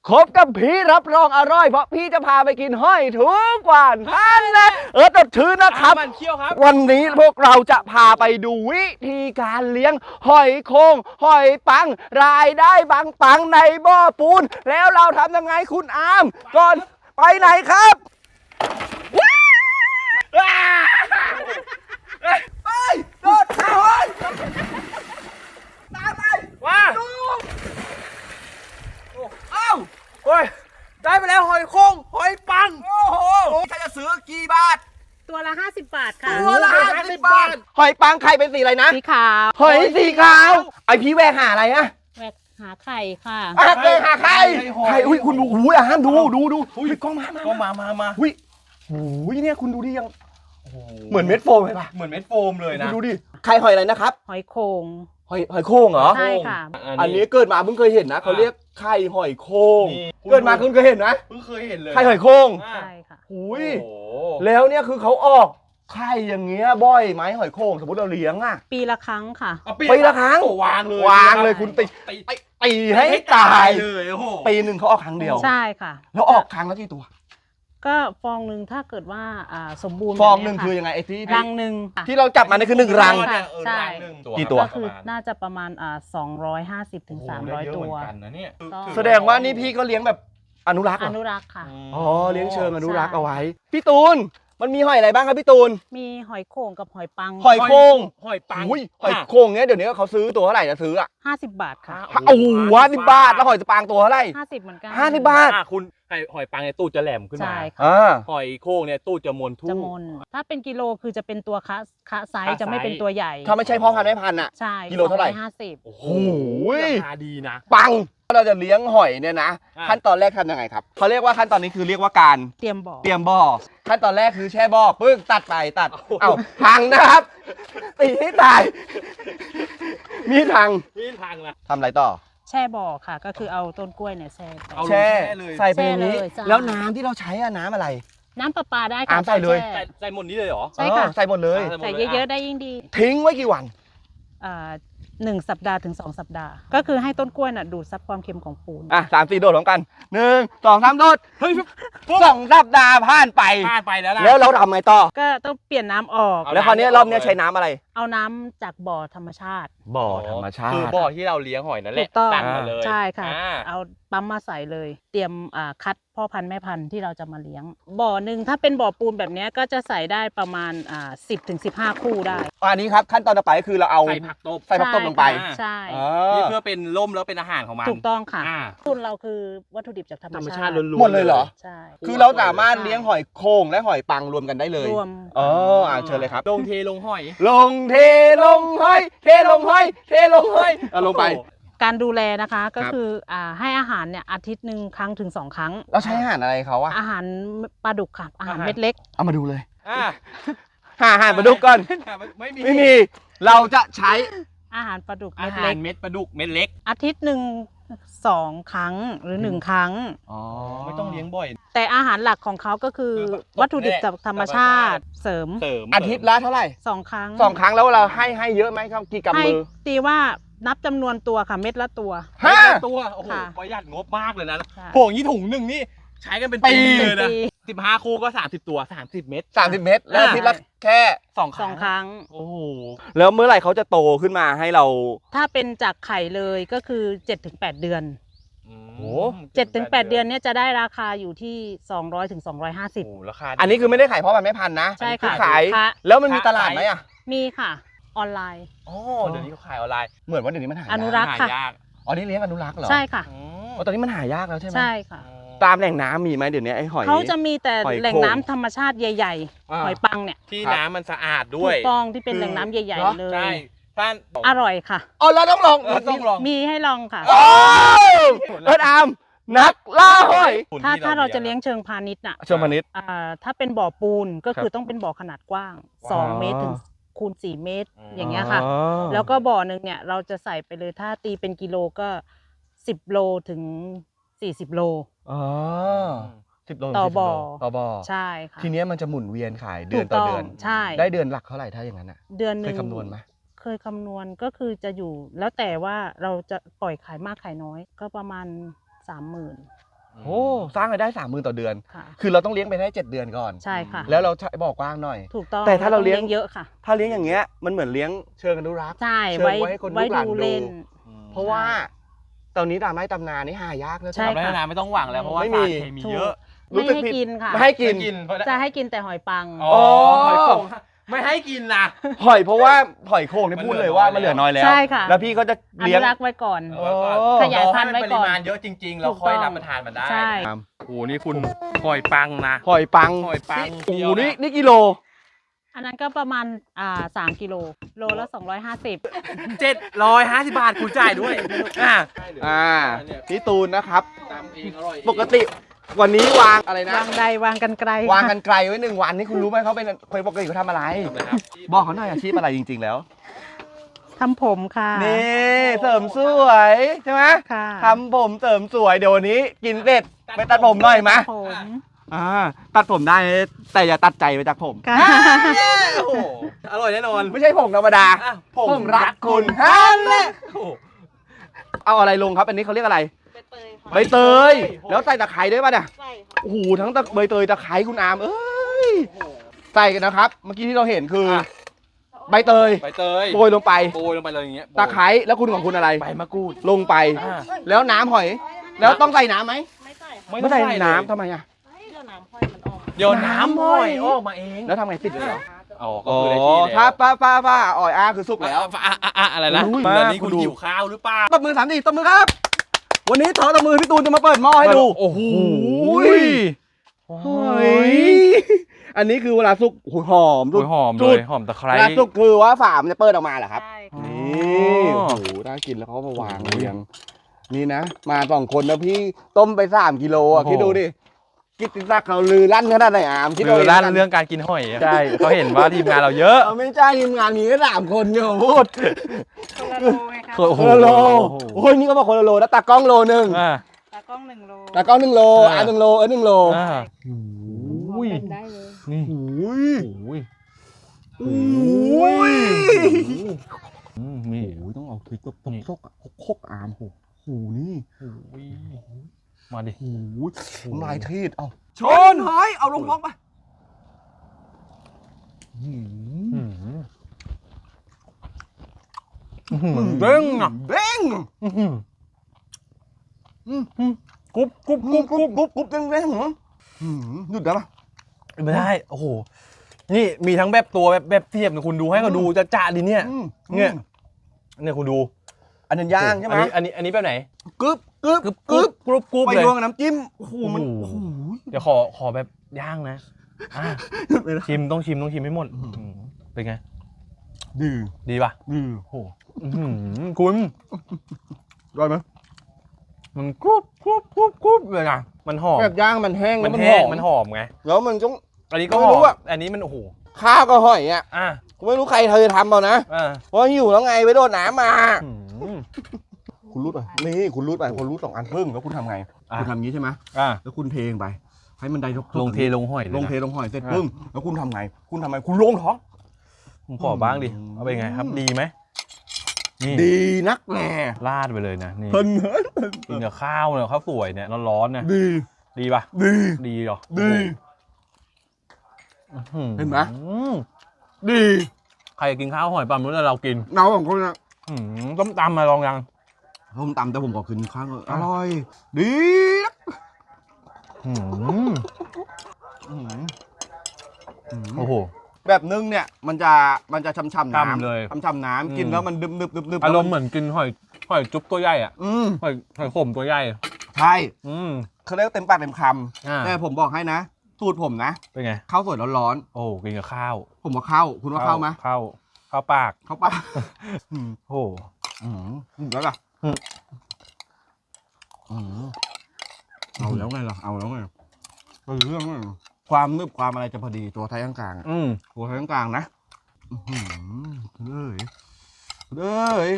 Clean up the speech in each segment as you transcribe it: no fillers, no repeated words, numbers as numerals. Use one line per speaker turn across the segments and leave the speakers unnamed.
คบกับพี่รับรองอร่อยเพราะพี่จะพาไปกินหอยทุกวันท่านนะตดชื่อนะครับ
มันเคี่ยวครับ
วันนี้พวกเราจะพาไปดูวิธีการเลี้ยงหอยโข่งหอยปังรายได้ปังในบ่อปูนแล้วเราทำยังไงคุณอามก่อนไปไหนครับไปโดดเข้าหอยตามไป
ว่า
ดูเอ้า
โอ้ยได้ไปแล้วหอยโข่งหอยปัง
โอ้โหถ้าจะซื้อกี่บาท
ตัวละ50 บาทค่ะ
ตัวละ50 บาทหอยปังไข่เป็นสีอะไรนะ
สีขาว
หอยสีขาวไอพี่แวกหาอะไรอะ
แหวกหาไข่ค่ะ
แวกหาไข่ไข่อุ้ยคุณดูอุ้ยห้ามดูอุ้ยกล้อง
มา
อุ้ยอุ้ยเนี่ยคุณดูดิยังเหมือนเม็ดโฟมเลยป่ะ
เหมือนเม็ดโฟมเลยนะ
ดูดิไข่หอยอะไรนะครับ
หอยโข่ง
หอยโข่งเหรอ
ใช่ค่ะ
อันนี้เกิดมาเพิ่งเคยเห็นนะเขาเรียกไข่หอยโข่งเกิดมาคุณเคยเห็นนะ
เพิ่งเคยเห็นเลย
ไข่หอยโข่ง
ใช่ค่ะ
อุ้ยแล้วเนี่ยคือเขาออกไข่อย่างเงี้ยบ่อยไหมหอยโข่งสมมติเราเลี้ยงอะ
ปีละครั้งค่ะ
ปีละครั้ง
วางเลย
คุณตีให้ตาย
เลยโอ้โห
ปีหนึ่งเขาออกครั้งเดียว
ใช่ค่ะ
แล้วออกครั้งละกี่ตัว
ก็ฟองหนึ่งถ้าเกิดว่าสมบูรณ์
ฟองหนึ่งคือยังไงไอ้ที่
รังหนึ่ง
ที่เราจับมานี่คือ1 รัง
ใช่
กี่ตัว
ก็คือน่าจะประมาณ250 ถึง 300 ตัว
แสดงว่านี่พี่ก็เลี้ยงแบบอนุรักษ์
ค่ะ
อ๋อเลี้ยงเชิงอนุรักษ์เอาไว้พี่ตูนมันมีหอยอะไรบ้างครับพี่ตูน
มีหอยโข่งกับหอยปัง
หอยโข่ง
หอยปัง
หอยโข่งเนี้ยเดี๋ยวนี้เขาซื้อตัวเท่าไหร่จะซื้อ
50 บาทค่ะ
โอ้โห50 บาทแล้วหอยปังตัวเท่าไหร่
50เหมือนกัน
50 บาท
คุณหอยปังเนี่ยตู้จะแหลมขึ้นมาหอยโข่งเนี่ยตู้จะมนทุ่ง
ถ้าเป็นกิโลคือจะเป็นตัวคะไซส์จะไม่เป็นตัวใหญ่
ถ้าไม่ใช่พ่อพันธุ์แม่พันธุ์
ใช่
กิโลเท่าไหร่
50
โอ้โห
ราคาดีนะ
ปังเราจะเลี้ยงหอยเนี่ยนะขั้นตอนแรกทำยังไงครับเขาเรียกว่าขั้นตอนนี้คือเรียกว่าการ
เตรียม
บ่อขั้นตอนแรกคือแช่บ่อปึ้งตัดพังนะครับตีให้ตายมีพัง
นะ
ทำอะไรต่อ
แช่บ่อค่ะก็คือเอาต้นกล้วยเนี่ยแช่
ใส่ไปนี้แล้วน้ำที่เราใช้น้ำอะไร
น้ำประปาได้ค่ะ
ใส่เลย
ใส่หมดนี้เลยเหรอ
ใช่ค่ะ
ใส่หมดเลย
ใส่เยอะๆได้ยิ่งดี
ทิ้งไว้กี่วัน
1 สัปดาห์ถึง2 สัปดาห์ก็คือให้ต้นกล้วยน่ะดูดซับความเค็มของปูน
3-4 โดดพร้อมกัน1 2 3 โดดเฮ้ย2 สัปดาห์ผ่านไป
แล้วนะ
แล้วเราทำไงต่อ
ก็ต้องเปลี่ยนน้ำออก
แล้วคราวนี้รอบนี้ใช้น้ำอะไร
เอาน้ำจากบ่อธรรมชาติ
คือบ่อที่เราเลี้ยงหอยนั่นแหละ
ตั้งมาเลยใช่ค่ะเอาปั๊มมาใส่เลยเตรียมคัดพ่อพันธุ์แม่พันธุ์ที่เราจะมาเลี้ยงบ่อหนึ่งถ้าเป็นบ่อปูนแบบนี้ก็จะใส่ได้ประมาณ10 ถึง 15 คู่ได้
อันนี้ครับขั้นตอนต่อไปคือเราเอา
ใส่ผักตบ
ลงไป
ใช่
นี่เพื่อเป็นร่มแล้วเป็นอาหารของมัน
ถูกต้องค่ะทุนเราคือวัตถุดิบจากธรรมชาติ
หมดเลยเหรอ
ใช่
คือเราสามารถเลี้ยงหอยโข่งและหอยปังรวมกันได้เลย
รวม
เชิญเลยครับ
ลงเทลงหอย
ลงหอยลงไป
การดูแลนะคะก็คือให้อาหารเนี่ยอาทิตย์หนึ่งครั้งถึง2 ครั้ง
เราใช้อาหารอะไรเขา
อาหารปลาดุกค่ะอาหารเม็ดเล็ก
เอามาดูเลยอาหารปลาดุกก่อนไม่มีเราจะใช้
อาหารปลาดุก
เม็ดเล็กเม็ดปลาดุกเม็ดเล็ก
อาทิตย์หนึ่ง2 ครั้งหรือ1 ครั้ง
ไม่ต้องเลี้ยงบ่อย
แต่อาหารหลักของเขาก็คือวัตถุดิบจากธรรมชาติเสริม
อาทิตย์ละเท่าไหร่
2 ครั้ง
แล้วเราให้เยอะไหมครับกี่กำมือ
ตีว่านับจำนวนตัวค่ะเม็ดละตัว
ตัวโอ้โหประหยัดงบมากเลยนะพวกนี้ถุงหนึ่งนี่ใช้กันเป็นปีเลยนะ15 คู่ก็30 ตัว30 เม็ด
แล้วอาทิตย์ละแค่
2 ครั้ง
โอ้โห
แล้วเมื่อไหร่เขาจะโตขึ้นมาให้เรา
ถ้าเป็นจากไข่เลยก็คือ 7-8 เดือน7-8 เดือนเนี่ยจะได้ราคาอยู่ที่200 ถึง 250
ราคา
อันนี้คือไม่ได้ขายเพราะมันไม่พันนะ
ใช่ค่ะ
ขายแล้วมันมีตลาดไหม
มีค่ะออนไลน์
เดี๋ยวนี้เขาขายออนไลน์
เหมือนว่าเดี๋ยวนี้มันหายาก
อนุรักษ์ค่ะ
นี่เลี้ยงอนุรักษ์เหรอ
ใช่ค่ะ
ตอนนี้มันหายากแล้วใช่ไหม
ใช่ค่ะ
ตามแหล่งน้ำมีไหมเดี๋ยวนี้ไอ้หอย
เขาจะมีแต่แหล่งน้ำธรรมชาติใหญ่ๆหอยปังเนี่ย
ที่น้ำมันสะอาดด้วย
ถูกต้องที่เป็นแหล่งน้ำใหญ่ๆเลย
ใช่ท่าน
อร่อยค่ะ
เราต้องลอง
มีให้ลองค่ะ
อามนักล่าหอย
ถ้าเราจะเลี้ยงเชิงพาณิชย์
เชิงพาณิชย์
ถ้าเป็นบ่อปูนก็คือต้องเป็นบ่อขนาดกว้าง2 เมตรถึงคูณ4 เมตรอย่างเงี้ยค่ะแล้วก็บ่อหนึ่งเนี่ยเราจะใส่ไปเลยถ้าตีเป็นกิโลก็10 โลถึง40 โล
10 โล
ต่อบ่อใช่ค่ะ
ทีนี้มันจะหมุนเวียนขายเดือนต่อเดือน
ใช่
ได้เดือนหลักเท่าไหร่ถ้าอย่างนั้น
เดือนนึง
เคยคำนวณไหม
เคยคำนวณก็คือจะอยู่แล้วแต่ว่าเราจะปล่อยขายมากขายน้อยก็ประมาณ30,000
โอ้สร้างรายได้ 30,000 ต่อเดือน
ค่ะ
คือเราต้องเลี้ยงไปได้7 เดือนก่อน
ใช่ค่ะ
แล้วเราใช้บ่อกว้างหน่อย
ถูกต้อง
แต่ถ้าเราเลี้ยง
เยอะค่ะ
ถ้าเลี้ยงอย่างเงี้ยมันเหมือนเลี้ยงเชิงอนุรักษ์
ใช่
เชิญไว้ให้คนลูกหลาน
ดู
ดู
เล่น
เพราะว่าตอนนี้ตามไม้ตำนานี่หายากแล้ว
ใช่
ทำได้นานไม่ต้องหวังแล้วเพราะว่า
ไม่มี
สารเคมีเยอะ
ไม่ให้กินค่ะ
ไม่ให้กิน
จะให้กินแต่หอยปัง
อ๋อหอยโข่งไม่ให้กินนะ
หอยเพราะว่าหอยโข่งเนี่ยพูดเลยว่ามันเหลือน้อยแล้ว
ใช่ค่ะ
แล้วพี่ก็จะ
อ
เลี้ย
นุ
ง
รักษ์ไว้ก่อน
โอ้
ขยายพันธุ์ไว้ก่อน
รให้มัปริมาณเยอะจริงๆ เราค่อยรับประทานมันได้
ใช่
โอ้โหนี่คุณหอยปังนะ
หอยปัง
หอยปัง
โอ้โห
เดียวนะ
นี่กิโล
อันนั้นก็ประมาณ3 กิโลโลละ250
750 บาทคุณจ่ายด้วย
พี่ตูนนะครับ
ตามเองอร่อย
ปกติวันนี้วางอะไรนะ
วางใดวางกันไกล
วางกันไกลไว้1 วันนี่คุณรู้ไหมเขาเป็นคนปกติเขาทำอะไร บอกเขาหน่อยอาชีพอะไรจริงๆแล้ว
ทำผมค่ะ
นี่เสริมสวยใช่ไหม
ค่ะ
ทำผมเสริมสวยเดี๋ยววันนี้กินเสร็จไปตัดผมหน่อยมะ
ผม
ตัดผมได้แต่อย่าตัดใจไปจากผม
ค่ะ
โอ้โหอร่อยแน่นอน
ไม่ใช่ผมธรรมดา
อ่ะ
ผมรักคุณฮันแหละ
โอ้โห
เอาอะไรลงครับ อันนี้เขาเรียกอะไร ใบเตย แล้วใส่ตะไคร้ด้วยป่ะเนี่ย
ใช่
โอ้โหทั้งใบเตยตะไคร้คุณอามเอ้ยใส่กันนะครับ เมื่อกี้ที่เราเห็นคือ ใบเตย
ใบเตย
โรยลงไป
โปรยลงไปเลยอย่างเงี้ย
ตะไคร้แล้วคุณของคุณอะไร
ใบมะกรูด
ลงไป
อ่า
แล้วน้ำหอย แล้วต้องใส่น้ำไหม
ไม่ใส่ค่ะ
ไม่
ไม่ใส่
เลย
น้ำทำไมอ่ะ
เดี๋ยวน้ำค่อยมันออก
เดี๋ยวน้ำห้อยออกมาเอง
แล้วทำไงปิดเลยเหรอ
อ๋อก็
อ๋อ
คือได้ที่แล้ว
ถ้าป้าอ่อยคือสุกแล้ว
อะไรนะ
อุ้ย
ตอนนี้
คุ
คุณ
ณดู
หิวข้าวหรือเปล่า
ตบมือ3 ทีตบมือครับ วันนี้ตบมือพี่ตูนจะมาเปิดหม้อให้ดู
โอ้โห
เฮ้ยอันนี้คือเวลาสุกโอ้โหหอม
โอ้ยหอม
จุ
เล
ด
ยหอมตะไคร้
เวลาสุกคือว่าฝามันจะเปิดออกมาเหรอครับ
ใช่ค่ะ
นี่โอ้โหน่ากินแล้วเขาก็มาวางเรียงนี่นะ มา2 คนนะพี่ต้มไป3 กิโลอ่ะคิดดูดิกิตติศักดิ์เขาลือลั่นขนาดไหนอามคิดดู
คือ
ดิ
ร้านเรื่องการกินหอยอะใช่เขาเห็นว่าทีมงานเราเยอะ
เอาไม่ใช่ทีมงานมีแค่3 คนเนี่ยพูด
คนละโลไงคะ
โอ้โห
คนละโลโอ้ยนี่ก็มาคนละโลแล้วตากล้องโลนึง
อ่า
ตากล้อง1 โล
ตากล้อง1 โล1 โล1 โล
อ่า
บอกกันได้เลย
นี่
โอ้ย
โอ้ย
โอ้ย
นี่
โอ้ยต้องเอาพริกแบบต้มซกอ่ะคกอามโอ้โหนี่
โอ้ยมาดิ
โอ้ยลายทีดเอาชนหอยเอาลงท้องไป
เด้งอ่ะ
เด้ง
กรุบกรุบกรุบกรุบ
กรุบเด้งเด้งเหรอหยุดได้ปะ
ไม่ได้โอ้โหนี่มีทั้งแบบตัวแบบเทียบคุณดูให้เขาดูจะจ่าดิเนี่ยเนี่ยคุณดู
อันนั้นย่างใช่ไหม
อันนี้แบบไหน
กรึบกรึบ
กรุบกรุบกรุบกรุบ
ไป
เลย
รวมกับน้ำจิ้มโอ้โหมัน
โอ้โห
โอ้โห
เดี๋ยวขอแบบย่างนะอ่ะ
หยุดเลยนะ
ชิมต้องชิมให้หมดเป็นไง
ดี
ดีป่ะ
ดี
โอ้โหคุณ
ร้อยไหม
มันกรุบกรุบกรุบกรุบเลยนะมันหอม
แบบย่างมันแห้ง
มัน
แล้ว
แห้ง
หอ
มันหอมไง
แล้วมันต้อง
อันนี้ก็
ไม่
ห
รู้
อม
อะ
อันนี้มันโอ้โห
ข้าวก็หอยอ่ะ
อ่ะ
กูไม่รู้ใครเธอทำเอานะ
อ่ะ
เพราะหิวแล้วไงไปโดนน้ำมา
อืม
คุณรูดไปนี่คุณรูดไปคุณรูด2 อันครึ่งแล้วคุณทำไง
อ่ะ
คุณทำอย่างนี้ใช่ไหม
อ่ะ
แล้วคุณเทลงไป ให้มันได้ทุก
ลงเทลงหอยเลย
ลง
นะ
เทลงหอยเสร็จ
อ่ะ
ปึ้งแล้วคุณทำไง คุณทำไงคุณลงท้อง
ผมขอบ้างดิเอาไปนไงครับดีไหมนี่
ดีนักแหน่
ราดไปเลยนะนี่
เพิ่น
กินกับข้าวเนี่ยข้าวสวยเนี่ยร้อนๆเนี่ย
ดี
ดีป่ะ
ดี
ดีเหรอ
ดี
อื้อหือ
เห็นไหม ดี
ใครกินข้าวหอยปลาหมึกแล้วเรากิน
เนาของคนนะ
ต้มตำมาลองยัง
ผมตำแต่ผมขอคืนข้างอร่อย ดีนัก
อืมโอ้โห
แบบนึ่งเนี่ยมันจะช่ำๆ
กำ
น้ำ
เลย
ช่ำๆน้ำกินแล้วมันดึบๆๆๆ
อารมณ์เหมือนกินหอยจุ๊บตัวใหญ่อะ
อืม
หอยขมตัวใหญ่
ใช่
อืม
เขาเรียกเต็มปากเต็มค
อ่า
ำแต่ผมบอกให้นะสูตรผมนะ
เป็นไง
ข้าวสวยร้อน
โอ้กินกับข้าว
ๆผมว่าข้าวคุณว่าข้าวไหม
ข้าวปาก
ข้าวปลา
โอ้
แล้วล่ะ
อืม
เอาแล้วไงล่ะเอาแล้วไงเป็นเรื่องเลยความนึบความอะไรจะพอดีตัวไทยกลางๆอะ
อืม
ตัวไทยกลางๆนะเลย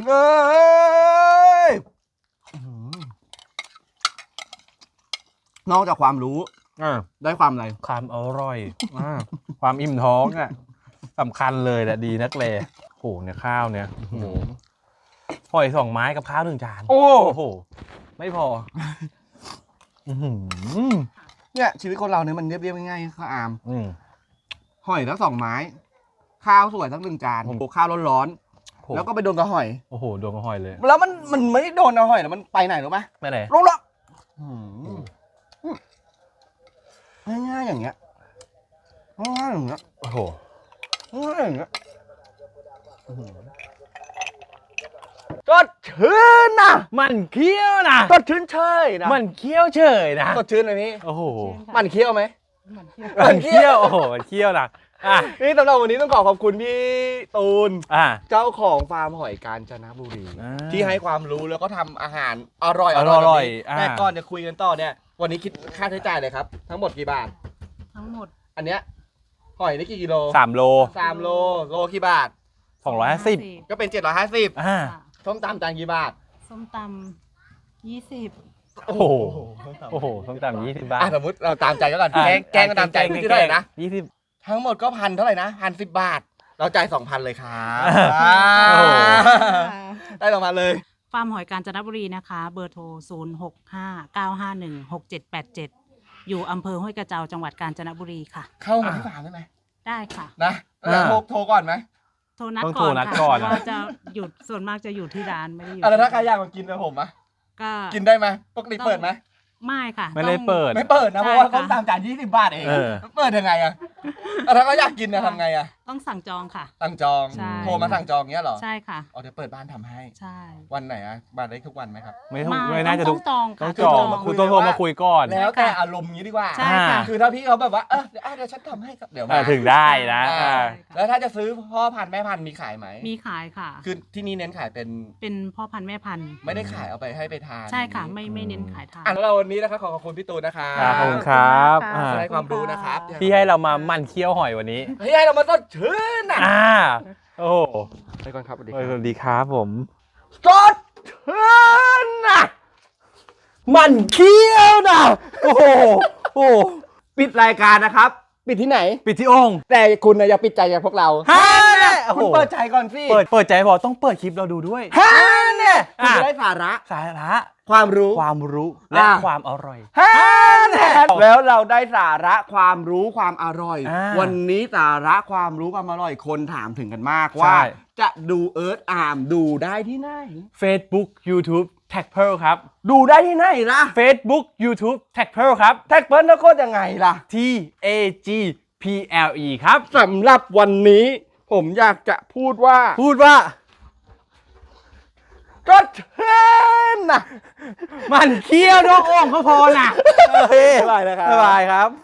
นอกจากความรู้
อ่า
ได้ความอะไร
ความอร่อยความอิ่มท้องอ่ะสำคัญเลยแหละดีนักเลยโอ้เนี่ยข้าวเนี่ยโอ้โหหอย2 ไม้กับข้าว1 จาน
โอ้
โหไม่พอ
เนี่ยชีวิตคนเราเนี่ยมันเรียบๆง่ายๆข้าวอาม
อืม
หอยทั้ง2 ไม้ ข้าวสวยทั้ง1 จาน
ผม
ข้าวร้อน
โห
ๆแล้วก็ไปโดนกระหอย
โอ้โหโดนกระหอยเลย
แล้วมันไม่ได้โดนกระหอยแล้วมันไปไหนรู้ไหม
ไม่ไหน
ลงละง่ายๆอย่างเงี้ยง่ายๆอย่างเงี้ย
โอ้โห
ง่ายๆอย่างเงี้ยสดชื่นนะ
มันเคี้ยวนะ
สดชื่นเชยนะ
มันเคี้ยวเฉยนะ
สดชื่นเลยพี่
โอ้โห
มันเคี้ยวไหม
มันเคี้ยวโอ้โหมันเคี้ยวนะอ่ะ
นี่สำหรับวันนี้ต้องขอบคุณพี่ตูน
อ่ะ
เจ้าของฟาร์มหอยกาญจนบุรี
อ่า
ที่ให้ความรู้แล้วก็ทำอาหารอร่อย
อร่อย
แบบนี้แต่
อ่า
ก่อนจะคุยกันต่อเนี่ย วันนี้คิดค่าใช้จ่ายเลยครับ ทั้งหมดกี่บาท
ทั้งหมด
อันเนี้ยหอยนี่กี่กิโล
3 โล
3 โลโลกี่บาท
250
ก็เป็น 750
อ่า
ส้มตำจานกี่บาท
ส้มตำ20
โอ้โห โอ้โหต้องตาม20 บาท
สมมติเราตามใจก็ก่อน
อ่ะ
แกงก็ตามใจพี่เท่าไหร่นะ
20
ทั้งหมดก็1,000เท่าไหร่นะ1,010 บาท เราจ่าย 2,000 เลยครับ
โอ้โห
ได้2,000เลย
ฟาร์มหอยกาญจนบุรีนะคะ เบอร์โทร 0659516787 อยู่อำเภอห้วยกระเจ้าจังหวัดกาญจนบุรีค่ะ
เข้ามาที่ฟาร์มได้ไหม
ได้ค่ะ
นะแล้วโทรก่อนไหม
โทรนัด
ต้อง
ก่
โท
อ
ร
น
นัด
ค่ะ
ก่อน
เพราะว่าจะหยุดส่วนมากจะอยู่ที่ร้านไม่ได้อยู่
แล้วถ้าใครอยากมากินกับผมอะ
ก็
กินได้ไหมปกติเปิดไหม
ไม่ค่ะ
ไม่ได้
ต้อง
เปิด
ไม่เปิดนะเพราะว่า
ใช่ค่ะ
ต้มตามจาน20 บาทเอง
เออ
เปิดยังไงอะแล้วถ้าเขาอยากกินนะทำไงอะ
ต้องสั่งจองค่ะ
สั่งจอง
ใช่
โทรมาสั่งจองเงี้ยเหรอ
ใช่ค่ะ
อ๋อเดี๋ยวเปิดบ้านทำให้
ใช่
วันไหนอะบ้านได้ทุกวันไหมครับ
ไม่น่าจะ
ต้
ทุ
อก งจองค่ะ
ต้องจอง
มาคุย
คุณต้องโทรมาคุยก่อน
แล้วแต่อารมณ์งี้ดีกว่า
ใช่ค่ะ
คือถ้าพี่เขาแบบว่าเดี๋ยวฉันทำให้ครับเดี๋ยวมา
ถึงได้นะ
อ่า
อ่า
แล้วถ้าจะซื้อพ่อพันธุ์แม่พันธุ์มีขายไหม
มีขายค่ะ
คือที่นี่เน้นขายเป็น
เป็นพ่อพันธุ์แม่พันธุ์
ไม่ได้ขายเอาไปให้ไปทาน
ใช่ค่ะ
อย่างนี้
ไม่เน้นขายทาน
แล้วเราวันนี้นะครับขอบคุณพี่ตูนนะครับ
ครับขอบคุณครับ
ขอบคุณค่ะ
อ่า
ได้ความรู้นะครับ
ที่ให้เรามามั่นเคี้ยวหอยวันนี้
ให้เรามาสดชื่นนะ
อ่า โอ้โห
ไปก่อนครับสวัสดี
สวัสดีครับผม
สดชื่นนะ
มันเคี้ยวนะโอ้โห โอ้โห
ปิดรายการนะครับ ปิดที่ไหน
ปิดที่องค์
แต่คุณน่ะอย่าปิดใจอย่างพวกเรา
ฮะเนี่ยโอ้โห
คุณเปิดใจก่อนสิ
เปิดใจพอต้องเปิดคลิปเราดูด้วย
ฮะเนี่ยคุณ
อ่ะ
จะได้สาระ
สาระ
ความรู้
ความรู้และ
อ่ะ
ความอร่อย
ฮะเนี่ยแล้วเราได้สาระความรู้ความอร่อย
อ่า
วันนี้สาระความรู้ความอร่อยคนถามถึงกันมากว่า
ใช่
จะดูเอิร์ธอาร์มดูได้ที่ไหน
Facebook YouTube Tag Pearl ครับ
ดูได้ที่ไหนล่ะ
Facebook YouTube Tag Pearl ครับ
แท็กเปิลแล้วโคตรยังไงล่ะ
TAGPLE ครับ
สำหรับวันนี้ผมอยากจะพูดว่า
พูดว่า
ก็เช่นนะ
มันเคี้ยวนอกองค์ก็พอนะโอเค
บ๊ายบายนะครับ
บ๊ายบายครับ